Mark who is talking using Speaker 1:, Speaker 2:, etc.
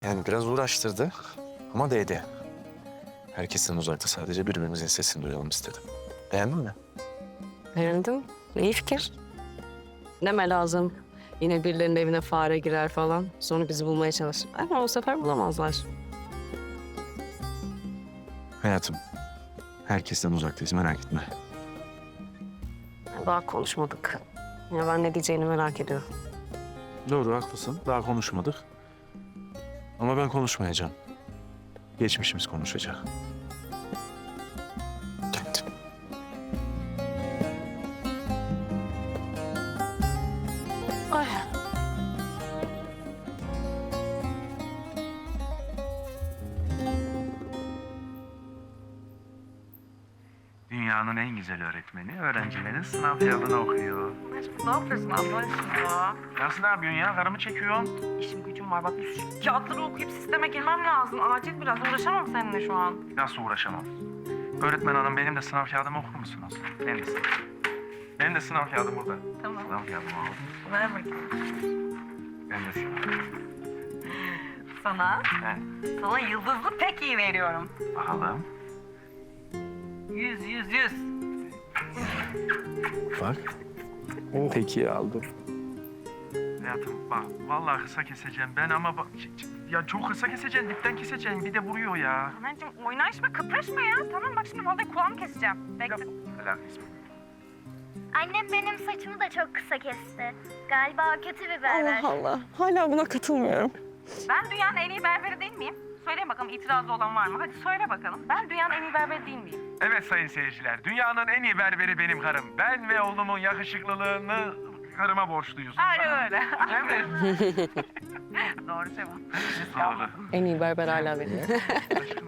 Speaker 1: Yani biraz uğraştırdı ama değdi. Herkesten uzakta sadece birbirimizin sesini duyalım istedim. Beğendin mi?
Speaker 2: Beğendim. İyi fikir. Deme lazım. Yine birilerinin evine fare girer falan. Sonra bizi bulmaya çalışır. Ama o sefer bulamazlar.
Speaker 1: Hayatım, herkesten uzaktayız merak etme.
Speaker 2: Daha konuşmadık. Ya ben ne diyeceğini merak ediyorum.
Speaker 1: Doğru, haklısın. Daha konuşmadık. Ama ben konuşmayacağım. Geçmişimiz konuşacak. Döndüm.
Speaker 2: Ay.
Speaker 3: Dünyanın en güzel öğretmeni öğrencilerin sınav kağıdını okuyor.
Speaker 4: Ne yapıyorsun Allah aşkına?
Speaker 3: Nasıl ne yapıyorsun ya? Karımı çekiyorsun.
Speaker 4: İşim gücüm var. Bak şu kağıtları okuyup sisteme girmem lazım. Acil biraz uğraşamam seninle şu an.
Speaker 3: Nasıl uğraşamam? Öğretmen hanım benim de sınav kağıdımı okur musunuz? Benim de sınav kağıdım burada.
Speaker 4: Tamam.
Speaker 3: Sınav kağıdımı al.
Speaker 4: Ver bakayım.
Speaker 3: Ben de sınav.
Speaker 4: Sana,
Speaker 3: He,
Speaker 4: sana yıldızlı pek iyi veriyorum.
Speaker 3: bakalım.
Speaker 4: 100.
Speaker 1: Bak. Peki aldım.
Speaker 3: Hayatım bak vallahi kısa keseceğim ben ama bak... Ya çok kısa keseceksin, dipten keseceksin. Bir de vuruyor ya.
Speaker 4: Anacığım oynaşma, kıpraşma ya. Tamam bak şimdi vallahi kulağımı keseceğim. Bekle.
Speaker 3: Alakası.
Speaker 5: Annem benim saçımı da çok kısa kesti. Galiba kötü bir berber.
Speaker 2: Allah. Hala buna katılmıyorum.
Speaker 4: Ben dünyanın en iyi berberi değil miyim? Söyleyin bakalım itirazı olan var mı? Hadi söyle bakalım. Ben dünyanın en iyi berberi değil miyim?
Speaker 3: Evet sayın seyirciler, dünyanın en iyi berberi benim karım. Ben ve oğlumun yakışıklılığını karıma borçluyuz.
Speaker 4: Aynen öyle. Doğru cevap.
Speaker 3: Doğru.
Speaker 2: En iyi berber hala benim.